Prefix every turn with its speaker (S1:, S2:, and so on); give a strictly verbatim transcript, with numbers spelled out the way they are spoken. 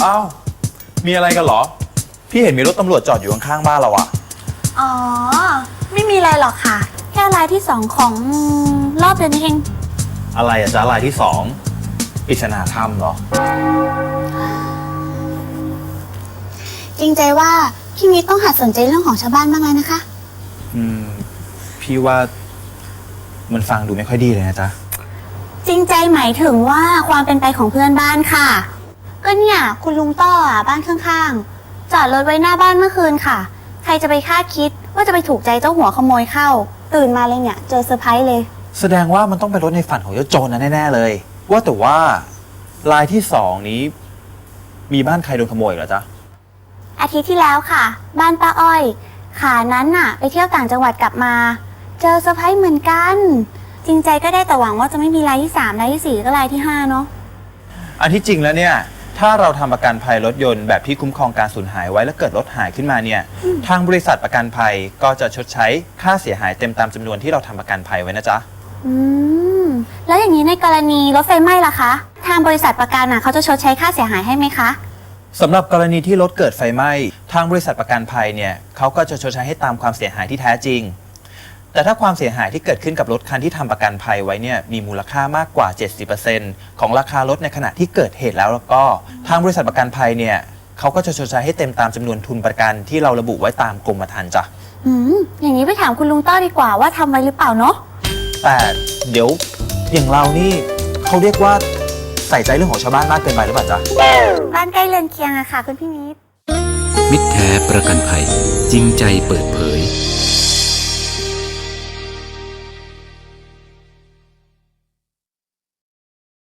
S1: อ้าวมีอะไรกันเหรอพี่เห็นมีรถตำรวจจอดอยู่ข้างๆบ้านเราอะ
S2: อ๋อไม่มีอะไรหรอกค่ะแค่รายที่สองของรอบเดือนนี้เอง
S1: อะไรอะจ๊ะรายที่สองปริศนาธรรมเหรอ
S2: จริงใจว่าพี่มิตรต้องหัดสนใจเรื่องของชาวบ้านบ้างแล้วนะคะ
S1: อืมพี่ว่ามันฟังดูไม่ค่อยดีเลยนะจ๊ะ
S2: จริงใจหมายถึงว่าความเป็นไปของเพื่อนบ้านค่ะก็เนี่ยคุณลุงต้ออ่ะบ้านข้างๆจอดรถไว้หน้าบ้านเมื่อคืนค่ะใครจะไปคาดคิดว่าจะไปถูกใจเจ้าหัวขโมยเข้าตื่นมาเลยเนี่ยเจอเซอร์ไพรส์เลย
S1: แสดงว่ามันต้องเป็นรถในฝันของเจ้าโจรนะแน่ๆเลยว่าแต่ว่ารายที่สองนี้ มีบ้านใครโดนขโมยเหรอจ๊ะ
S2: อาทิตย์ที่แล้วค่ะ บ้านป้าอ้อยขานั้นน่ะ ไปเที่ยวต่างจังหวัดกลับมา เจอเซอร์ไพรส์เหมือนกัน จริงใจก็ได้แต่หวังว่าจะไม่มีรายที่สามรายที่สี่ก็รายที่ห้าเนาะ
S1: อันที่จริงแล้วเนี่ยถ้าเราทำประกันภัยรถยนต์แบบที่คุ้มครองการสูญหายไว้แล้วเกิดรถหายขึ้นมาเนี่ยทางบริษัทประกันภัยก็จะชดใช้ค่าเสียหายเต็มตามจำนวนที่เราทำประกันภัยไว้นะจ๊ะ
S2: อืมแล้วอย่างนี้ในกรณีรถไฟไหม้ล่ะคะทางบริษัทประกันน่ะเขาจะชดใช้ค่าเสียหายให้ไหมคะ
S1: สำหรับกรณีที่รถเกิดไฟไหม้ทางบริษัทประกันภัยเนี่ยเขาก็จะชดใช้ให้ตามความเสียหายที่แท้จริง แต่ถ้าความเสียหายที่เกิดขึ้นกับรถคันที่ทำประกันภัยไว้เนี่ยมีมูลค่ามากกว่า เจ็ดสิบเปอร์เซ็นต์ ของราคารถในขณะที่เกิดเหตุแล้วแล้วก็ทางบริษัทประกันภัยเนี่ยเขาก็จะชดใช้ให้เต็มตามจำนวนทุนประกันที่เราระบุไว้ตามกรมธรรม์จ้ะ
S2: อืมอย่างนี้ไปถามคุณลุงต้อดีกว่าว่าทำไว้หรือเปล่าเนาะ
S1: แต่เดี๋ยวอย่างเรานี่เขาเรียกว่าใส่ใจเรื่องของชาวบ้านมากเกินไปหรือเปล่าจ๊ะ
S2: บ้านใกล้เรือนเคียงอะค่ะคุณพี่นิด
S3: มิตรแท้ประกันภัยจริงใจเปิดเผย